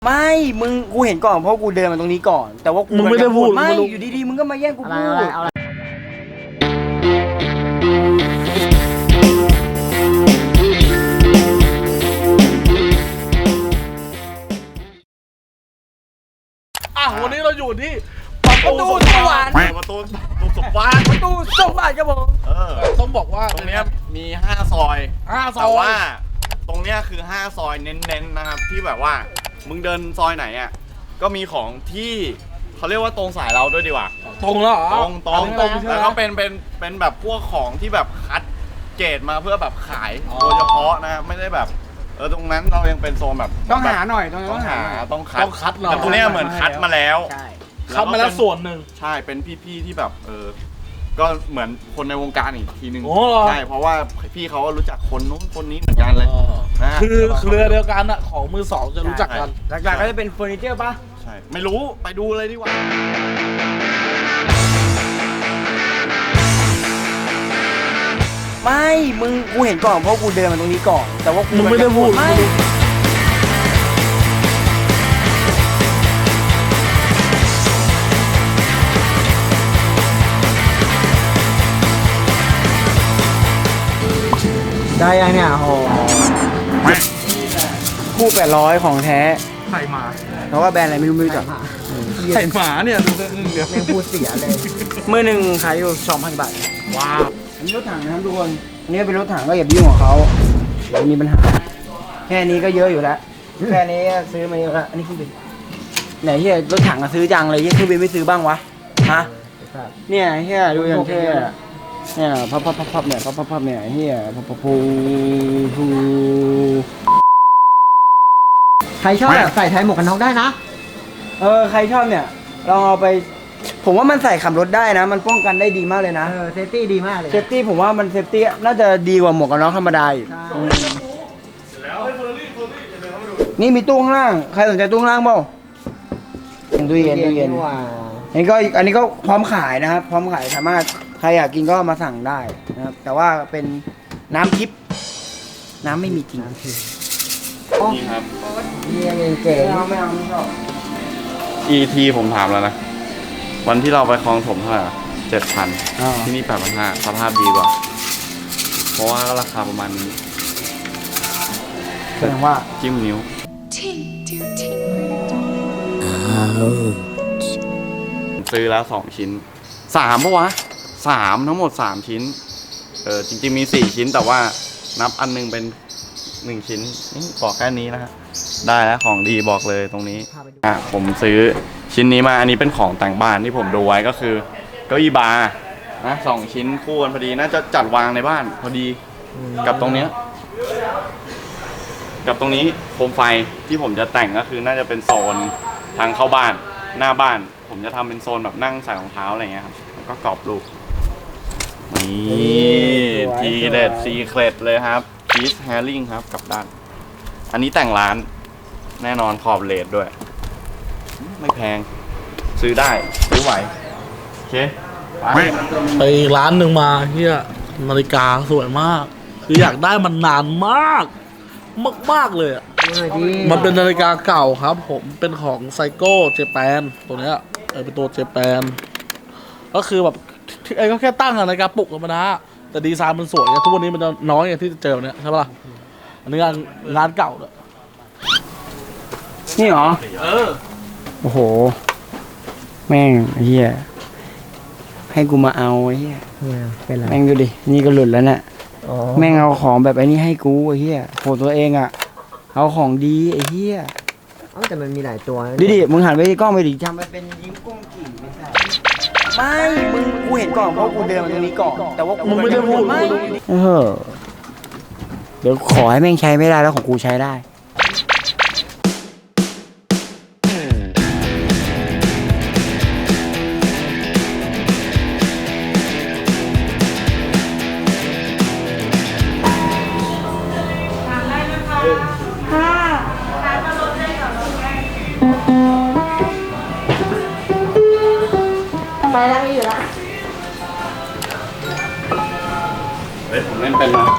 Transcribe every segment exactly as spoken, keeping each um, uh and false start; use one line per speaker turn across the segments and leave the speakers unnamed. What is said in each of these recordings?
ไม่มึงกูเห็นก่อนเพราะกูเดินมาตรงนี้ก่อนแต่ว่ากู
มึงไม่ได้พูด
ไม่อยู่ดีๆมึงก็มาแย่งกูพูด
อ่ะวันนี้เราอยู่ที่
ประตูสวรรค์
ประตูประตูสวรรค์
ประตูสวรรค์ครับผม
เออ
ต้องบอกว่า
ตรงเนี้ยมีห้าซอย
ห้าซอย
แต่ว่าตรงเนี้ยคือห้าซอยเน้นๆนะครับที่แบบว่ามึงเดินซอยไหนอ่ะก็มีของที่เขาเรียกว่าตรงสายเราด้วยดีกว่า
ตรงแล้วเหรอ
ตรงตรง
ตรง
แล้วก็เป็นเป็นเป็นแบบพวกของที่แบบคัดเกรดมาเพื่อแบบขายโดยเฉพาะนะไม่ได้แบบเออตรงนั้นเรายังเป็นโซนแบบ
ต้องหาหน่อยตรงนี้
ต้องหาต้องคัด
ต้องคัดเรา
แต่ตรงเนี้ยเหมือนคัดมาแล้ว
ใช่
คัดมาแล้วส่วนหนึ่ง
ใช่เป็นพี่ๆที่แบบเออก็เหมือนคนในวงการอีกทีนึงใช่เพราะว่าพี่เขารู้จักคนนู้นคนนี้เหมือนกันเลยนะ
คือเครือเดียวกันอะของมือสองจะรู้จักกัน
หลักๆก็จะเป็นเฟอร์นิเจอร์ป่ะ
ใช่ไม่รู้ไปดูเลยดีกว่า
ไม่มึงกูเห็นก่อนเพราะกูเดินมาตรงนี้ก่อนแต่ว่ากู
มึงไม่ได้พูด
ไม่ได้ยังเนี่ยโหคู่แปดร้อยของแท้
ไข่หมา
เพราะว่าแบรนด์อะไรไม่รู้ไม่รู้จัก
ไข่หมาเนี่ยเดี๋ยว
แม่งพูดเสียเลยมือหนึ่งขายอยู่สองพันบาท
ว้าว
อันนี้รถถังนะครับทุกคนอันนี้เป็นรถถังก็อย่าไปยุ่งกับเขาเดี๋ยวมีปัญหาแค่นี้ก็เยอะอยู่แล้วแค่นี้ซื้อมาเยอะแล้วอันนี้คือเป็นไหนเฮียรถถังซื้อจังเลยเฮียคือเป็นไม่ซื้อบ้างวะฮะเนี่ยเฮียดูอย่างเท่เนี่ยพับพับพับพับเนี่ยพับพับพับเนี่ยเฮียพับพับพูพูใครชอบใส่ไทยหมวกกันน็อกได้นะเออใครชอบเนี่ยลองเอาไปผมว่ามันใส่ขับรถได้นะมันป้องกันได้ดีมากเลยนะเออเซฟตี้ดีมากเลยเซฟตี้ผมว่ามันเซฟตี้น่าจะดีกว่าหมวกกันน็อกธรรมดาอีกนี่มีตู้ข้างล่างใครสนใจตู้ข้างล่างเปล่าตู้เย็นตู้เย็นนี่ก็อันนี้ก็พร้อมขายนะครับพร้อมขายสามารถใครอยากกินก็มาสั่งได้นะครับแต่ว่าเป็นน้ำทิพย์น้ำไม่มีจริง
นี่ครับ
นี่ยังเก๋ไม่เอาไม่เอาไม่ชอบ
อี ที ผมถามแล้วนะวันที่เราไปคลองถมเท่าไหร่เจ็ดพันที่นี่แปดพันห้าสภาพดีกว่าเพราะว่าราคาประมาณนี้
แสดงว่า
จิ้มนิ้วซื้อแล้วสองชิ้นสามปะวะสามทั้งหมดสามชิ้นเออจริงๆมีสี่ชิ้นแต่ว่านับอันนึงเป็นหนึ่งชิ้นนี่บอกแค่นี้นะฮะได้แล้วของดีบอกเลยตรงนี้อ่ะผมซื้อชิ้นนี้มาอันนี้เป็นของแต่งบ้านที่ผมดูไว้ก็คือเก้าอี้บาร์นะสองชิ้นคู่กันพอดีน่าจะจัดวางในบ้านพอดีกับตรงเนี้ยกับตรงนี้โคมไฟที่ผมจะแต่งก็คือน่าจะเป็นโซนทางเข้าบ้านหน้าบ้านผมจะทำเป็นโซนแบบนั่งใส่รองเท้าอะไรเงี้ยครับแล้วก็กรอบรูปนี่ทีเด็ดซีเครตเลยครับพีซแฮร์ริงครับกับด้านอันนี้แต่งร้านแน่นอนขอบเลดด้วยไม่แพงซื้อได้ซื้อไหวโอเค
ไปร้านหนึ่งมาเฮียนาฬิกาสวยมากคืออยากได้มันนานมากมากมากเลยอ่ะมันเป็นนาฬิกาเก่าครับผมเป็นของไซโก้เจแปนตัวเนี้ยเออเป็นตัวเจแปนก็คือแบบไอ้ก็แค่ตั้งนาฬิกาปลุกธรรมดาแต่ดีไซน์มันสวยทุกวันนี้มันน้อยอย่างที่จะเจอเนี่ยใช่ปะล่ะอันนี้งานงานเก่าเลย
นี่เหรอ
เออ
โอ้โหแม่งเฮียให้กูมาเอาเฮียเป็นไรแม่งดูดินี่ก็หลุดแล้วเนี่ยแม่งเอาของแบบไอ้นี่ให้กูไอ้เฮียโหตัวเองอ่ะเอาของดีไอ้เฮียเอ้าแต่มันมีหลายตัวดิดิมึงหันไปที่กล้องไปดิทำมันเป็นยิ้มกุ้งกิ่งไม่ใช่ไม่มึงกูเห็นก่อนเพราะกูเดินมาตรงนี้ก่อนแต่ว่า
มึงไม่ได้พูดไม่
เออเดี๋ยวขอให้แม่งใช้ไม่ได้แล้วของกูใช้ได้
ไปแล้วไม่อยู่ละ
เฮ้ยผมเล่นเป็นนะ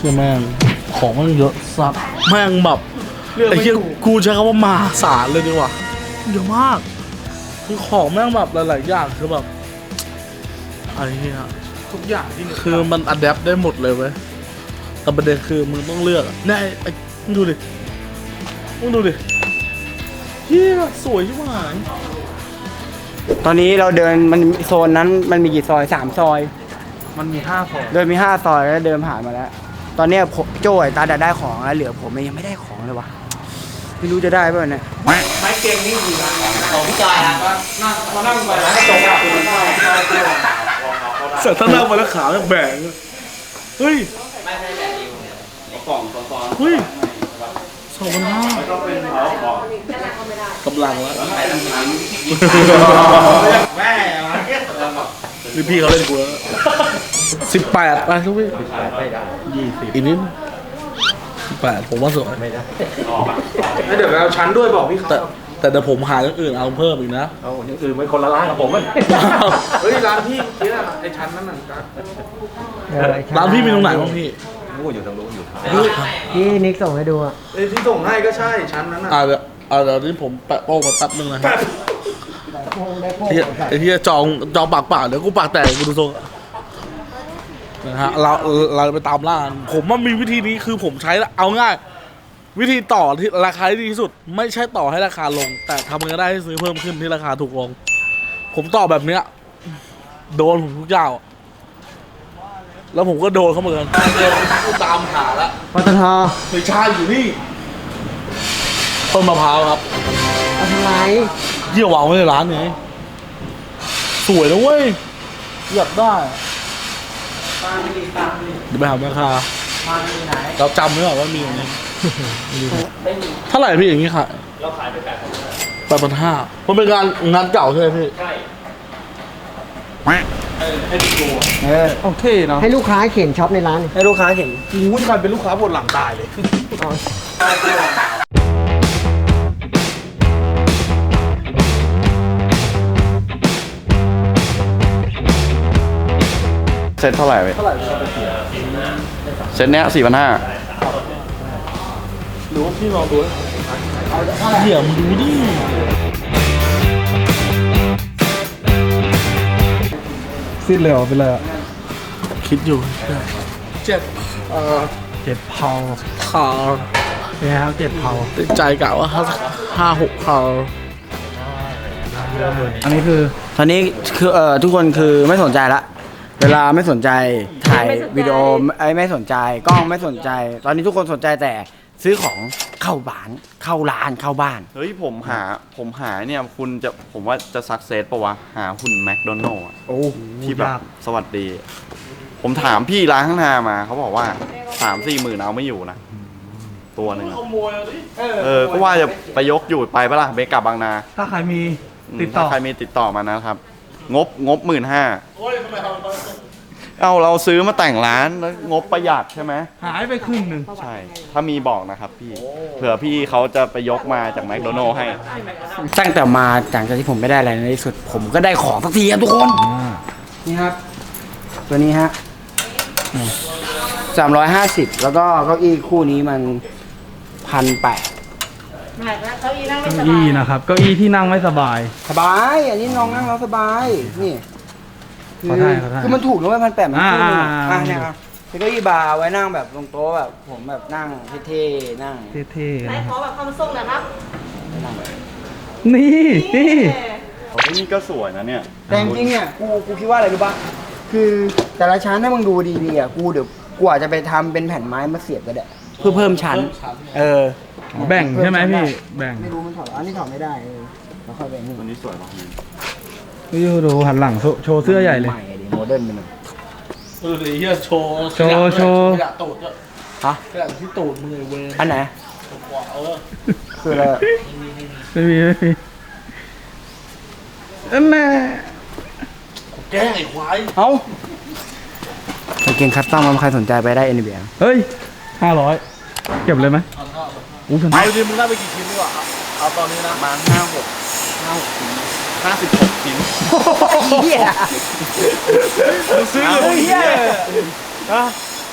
ชื่อแม่งของมันเยอะสัสแม่งแบบไอ้เหี้ยกูใช้คำว่ามหาศาลเลยดีกว่าเยอะมากคือของแม่งแบบหลายๆอย่างคือแบบไอ้เหี้ยทุกอย่างที่คือมันอัดแอปได้หมดเลยเว้ยแต่ประเด็นคือมึงต้องเลือกอะเนี่ยไอ้มึงดูดิมึงดูดิเหี้ยสวยชิบหาย
ตอนนี้เราเดินมันโซนนั้นมันมีกี่ซอยสามซอย
มันมีห้าซอย
เดินมีห้าซอยแล้วเดินผ่านมาแล้ว ตอนเนี้ยผมโจ้ยตาดัดได้ของแล้วเหลือผมยังไม่ได้ของเลยวะไม่รู้จะได้ป่ะเนี่ย
ไม้เก่งนี่คือของพี่จอยครับนั่งมานั่งไปแล้วก็ตรงกับคุณ
เสร็จถ้านั่งไปแล้วขาแบ่งเฮ้ย
ไม่ใช่แบบดิว
กล่องซ้อน
เฮ้ยสองพันห้า
ๆก็เป็นเขาบอก
กำลังแล้ว
แม่มา
นี่พี่เขาเล่นกูแล้วสิบแปดไปทุกพี่ยี่สิบอีกนิดสิบแปดผมว่าสวยไม่ได้
เดี๋ยวเราชั้นด้วยบอกพี่
แต่แต่เดี๋ยวผมหาอย่างอื่นเอาเพิ่มอีกนะ
เอาอย่างอื่นเป็นคนละร้านกับผมมันเฮ้ยร้านพี่ที่นั่นไอ้ชั้นนั้นน่ะครับ
ร้านพี่มีตรงไหนบ้างพี่
ที่นิกส่งให้ดูอ่ะ
ไอ้ที่ส่งให้ก็ใช่ชั้นนั้นน่ะ
อ่าเดี๋ยวอ่าเดี๋ยวนี้ผมแปะโป้งมาแป๊บนึงนะครับไอ้เหี้ยไอ้ที่จองจองปากเปล่าเดี๋ยวกูปากแตกกูดูทรงนะฮะเราเราไปตามล่ากันผมว่ามีวิธีนี้คือผมใช้เอาง่าย วิธีต่อที่ราคาที่ดีที่สุด ไม่ใช่ต่อให้ราคาลง แต่ทำเงินได้ให้ซื้อเพิ่มขึ้นที่ราคาถูกลง ผมต่อแบบเนี้ยโดนผมทุกเจ้าแล้วผมก็โดนเขาเหมือนกันกูตามหาแล้ว
ปตท
ไม่ใช่อยู่นี่ต้นมะพร้าวครับ
เอาทำไม
เยี่ยววางไว้ในร้านไงสวยนะเว้ยอยากได้เดี๋ยวไปหาแม่ค้าเราจำไว้ก่อนว่ามีอย่างนี้เท่าไหร่พี่อย่างนี้ขายเราขายไปแปดพันห้าแปดพันห้ามันเป็นงานงานเก่าใช่ไหมพี่ใช่
เออ
โอเคเนาะ
ให้ลูกค้าเข็นช็อปในร้าน
ให้ลูกค้าเห็น
กูจะกลายเป็นลูกค้าปวดหลังตายเลย
เซ็ตเท่าไหร่เว้ยเซ็ตเนี้ยสี่พันห้า
หรือว่าพี่ลองดูเดี๋ยวมึงดูดิ
สิ้นเลยเหรอเป็นไรอ่ะ
คิดอยู่เจ็ดเอ่อ
เจ็บเผา
ขา
เนี่ยครับเจ็บเผา
ใจกะว่าห้าห้าหกขา
อันนี้คือ
ตอนนี้คือเอ่อทุกคนคือไม่สนใจละเวลาไม่สนใจถ่ายวิดีโอไอ้ไม่สนใจกล้องไม่สนใจ ตอนนี้ทุกคนสนใจแต่ซื้อของเข้าบ้านเข้าร้านเข้าบ้าน
เฮ้ยผมหาผมหาเนี่ยคุณจะผมว่าจะสักเซสปะวะ หาหุ่นแมคโดนัลล์
โอ้
ที่แบบสวัสดี ผมถามพี่ร้านข้างหน้ามาเขาบอกว่าสามสี่หมื่นเอาไม่อยู่นะ ตัวหนึ่งอะ
ขโมยอ่ะดิ
เออ ก็ว่าจะไปยกอยู่ไปปะล่ะเบกลับบางนา
ถ้าใครมี
อืม
ติดต่อ
ถ้าใครมีติดต่อมานะครับ งบงบหมื่นห้า
โอ้ยทำไมทำไม
เอาเราซื้อมาแต่งร้านแล้วงบประหยัดใช่ไหม
หายไปครึ่งหนึ่ง
ใช่ ถ้ามีบอกนะครับพี่ เผื่อพี่เขาจะไปยกมาจากแมคโดนัลล์ให้
ตั้งแต่มาหลังจากที่ผมไม่ได้อะไรในที่สุด ผมก็ได้ของสักทีครับทุกคน นี่ครับ ตัวนี้ฮะสามร้อยห้าสิบแล้วก็เก้าอี้คู่นี้มันพันแปด
เก้าอี้นั่งไม่ส
เก้า
บา
อี้
ย
นะครับเก้าอี้ที่นั่งไม่สบาย
สบาย อันนี้น้องนั่งแล้วสบาย นี่คื
ขอได้ขอได้
คือมันถูกนะเว้ยพันแปดมันคู่หนึงอะ
อ่า
อ่ะเนี่ยครับเป็นเก้าอี้บาร์ไว้นั่งแบบตรงโต๊ะแบบผมแบบนั่งเท่ๆนั่ง
เท่ๆ
ไหน
นะ
ขอแบบความทรงหน่อยครับ
นี่นี่
โอ้ยนี่ก็สวยนะเนี่ย
แต่จริงๆเนี่ยกูกูคิดว่าอะไรรู้ป่ะคือแต่ละชั้นถ้ามึงดูดีๆอ่ะกูเดี๋ยวกูอาจจะไปทำเป็นแผ่นไม้มาเสียบก็ได้เพื่อเพิ่มชั้น เออ
แบ่งใช่ไหมพี่แบ่ง
ไม่รู้มันถอดอันนี้ถอดไม่ได้เออแล้วค่อยไปนี่
ตัวนี้สวยมาก
นี่ดูหันหลังโชว์โชว์เสื้อใหญ่เลย
ใหม่ดิโมเดิร์นไปหน่อย
เออไอ้เหี้ยโชว์
โชว์โชว์
ขยะตูดด้วย
ฮะ
ขยะที่ตูดมึงเลยเว้ย
อันไหน
เออ
คืออะไรอะ
ไม่มีไม่มีอันน่ะ
แกล้งไอ้ควาย
เอ้าไปเก่งคัสตอมมันใครสนใจไปได้เอ็นบีเอ
เฮ้ยห้าร้อยเก็บเลยไหมอู้พัน
เอาดิมึงได้ไปกี่ชิ้นดีกว่าเอาเอาตอนนี้นะ
มาห้าหกห้าหกชิ้นห้าสิบหกชิ้น
เฮีย
มึงซื้อเลย
เฮีย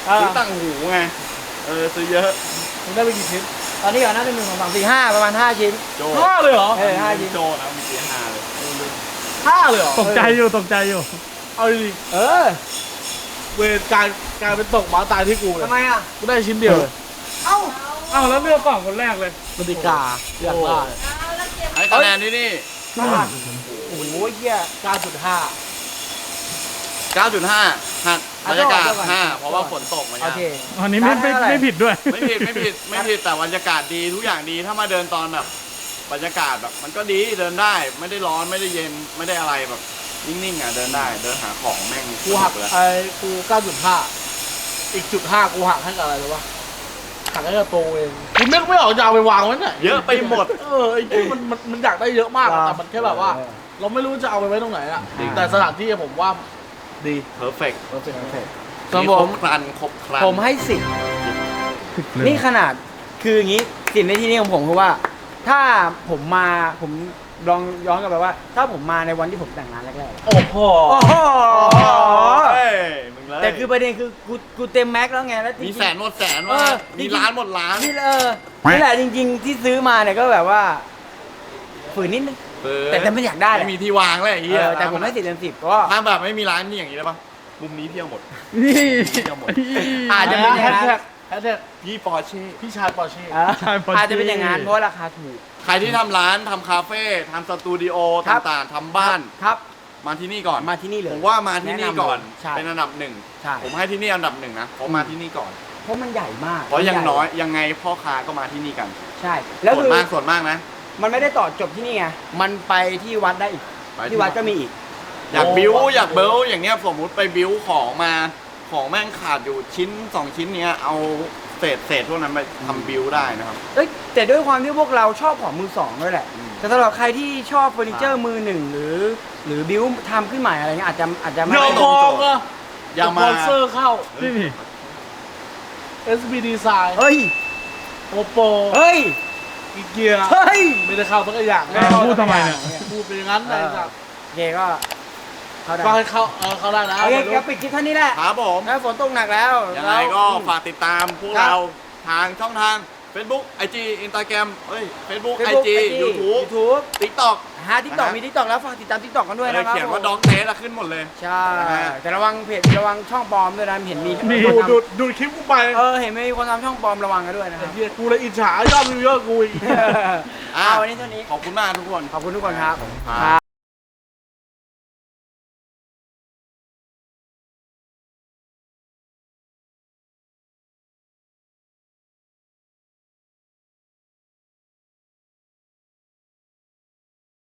เออ
ซื้อต่างหูไงเออซื้อเยอะ
มึงได้ไปกี่ชิ้น
ตอนนี้ก่อนน่าจะหนึ่งสองสามสี่ห้าประมาณห้าชิ้น
โจ
ห้าเลยเหรอ
เออห้าชิ้น
โจนะมีกี่ห้าเลย
ห้าเลยเหรอ
ตกใจอยู่ตกใจอยู่
เอาดิ
เออ
เวรการการเป็นตกหมาตายที่กูเลย
ทำไมอ่ะ
กูได้ชิ้นเดียวเลย
เอ้า
อ้าวแล้วเลือกก่อนคนแรกเลย
นาฬิกาอยากได้
เอาแล้วเก็บ
ให้คะแนนที่นี่
โอ้โหเหี้ย
เก้าจุดห้า
เก้าจุดห้าหักบรรยากาศ
เอาก่อน
ห้าเพราะว่าฝนตกมา
โอ
เนี่ย
เค
อันนี้ไม่ไม่
ได้เท่าไหร่
ไม่ผิดด้วย
ไม่ผิดไม่ผิดไม่ผิดแต่บรรยากาศดีทุกอย่างดีถ้ามาเดินตอนแบบบรรยากาศแบบ มันก็ดีเดินได้ไม่ได้ร้อนไม่ได้เย็นไม่ได้อะไรแบบนิ่งๆอ่ะเดินได้เดินหาของแม่ง
กูหัก
เลย
ไอ้กูเก้าจุดห้าอีกจุดห้ากูหักให้กับอะไรรู้ปะหักให้กับตัวเองกูนึกไม่ออกจะเอาไปวางไว้ไหน
เยอะไปหมด
เออไอ้ที่มันมันมันอยากได้เยอะมากอะแต่มันแค่แบบว่า เราไม่รู้จะเอาไปไว้ตรงไหนอะ
จริง
แต่สถานที่ผมว่าดี
เพอร์เฟกต์
โอเคโอเค
ส่วน
มี
ผ
คร
ม
บครันครบครัน
ผมให้สิบนี่ขนาดคืออย่างนี้สิ่งในที่นี้ของผมคือว่า ถ้าผมมาผมลองย้อนกลับไปว่า ถ้าผมมาในวันที่ผมแต่งงานแรกๆ
โอ้โห
โอ้โห
เฮ้ยมึงเลย
แต่คือประเด็นคือกูกูเต็มแม็กซ์แล้วไงแล้วจริงๆ
มีแสนหมดแสน
เอ
ว่า
อ
มี
จริงๆ
ล้านหมดล้าน
นี่เออนี่แหละจริง ๆ ที่ซื้อมาเนี่ยก็แบบว่าฝืนนิดนึง
เออ
แต่แต่ไม่อยากได้แหละ
ไม่มีที่วางเลยไอ้
เอ
เหี้ย
อแต่ผมให้สิบเต็มสิบก็
ถ้าแบบไม่มีร้านนี่อย่างนี้ได้ปะมุมนี้เที่ยวหมด
นี่
เที่ยวหมด
อาจจะเป็นอย่าง
แฮช
นั้น
แท็กแฮชแท็ก
ยี่ปอร์เช่
พี่ชายปอร์เช่
เออ
ใช่พอดี
อาจจะเป็นอย่างนั้นเพราะว่าราคาถูก
ใครที่ทำร้านทำคาเฟ่ทำสตูดิโอ
ครับ
ต่างๆทำบ้าน
ครับ
มาที่นี่ก่อน
มาที่นี่เลย
ผมว่ามาที่นี่ก่อน
แนะนำเลยใช่
เป็นอันดับหนึ่ง
ใช่
ผมให้ที่นี่อันดับหนึ่งนะเพราะมาที่นี่ก่อน
เพราะมันใหญ่มาก
เพราะอย่าง
มัใหญ่
น้อยยังไงพ่อค้าก็มาที่นี่กัน
ใช่ แล้ว
ส่ว
คื
น
อ
มากส่วนมากนะ
มันไม่ได้ต่อจบที่นี่ไงมันไปที่วัดได้อีก
ไปที่
ที่วัด
วัด
ก็มีอีก
อยากบิ้วอยากเบิลอย่างเงี้ยสมมุติไปบิ้วของมาของแม่งขาดอยู่ชิ้นสองชิ้นเนี้ยเอาเศษเศษพวกนั้นไปทำบิ้วได้นะครับ
เอ้ยแต่ด้วยความที่พวกเราชอบของมือสองด้วยแหละ
อืม
แต่สำหรับใครที่ชอบเฟอร์นิเจอร์มือหนึ่งหรือ หรือบิวทำขึ้นใหม่อะไรเงี้ยอาจจะอาจจะไม่
เดี๋ยว
ได้
มองอะ
อย่า
ส
มา
ปอนเซอร์เข้า
นี่นี่
เอส บี Design
เฮ้ย
โอโป
เฮ้ย
อีเกีย
เฮ้ย
ไม่ได้เข้าสักอย่าง
ไม่ได้เข้า
พูดทำไมเนี่ย
พูดไปอย่างนั้น
เอ
เลย
อ
สัตว์
โอเคก็เข้าได้
ก็ให้เข้าเออเข้าได้นะ
โอเคก็ปิดคลิปเท่านี้แหละ
ครับผม
แล้วฝนตกหนักแล้ว
ยังไงก็ฝากติดตามพวก
ครับ
เราทางช่องทาง Facebook ไอ จี Instagram เอ้ย Facebook ไอ
Facebook
จี
ไอจี
YouTube
YouTube
TikTok
ฮะทิกตอก
นะฮะ
มีทิกตอกแล้วฝากติดตามทิกตอกกันด้วยนะครับ
เขียนว่า
ผม
ด็อกเทสขึ้นหมดเลย
ใช่
นะฮะ
แต่ระวังเพจระวังช่องปลอมด้วยนะเห็นมี
นี่
ดู
คนทำ
ดูดูคลิปกูไป
เออเห็นมีคนทำช่องปลอมระวังกันด้วยนะค
ไอ้
รับ
เหี้ยกูเลยอิจฉายอดวิวเยอะกูอีก
อ่ะ
เอาวันนี้เท่านี้
ขอบคุณมากทุกคน
ขอบคุณทุกคนครับ
ครับ
ครับ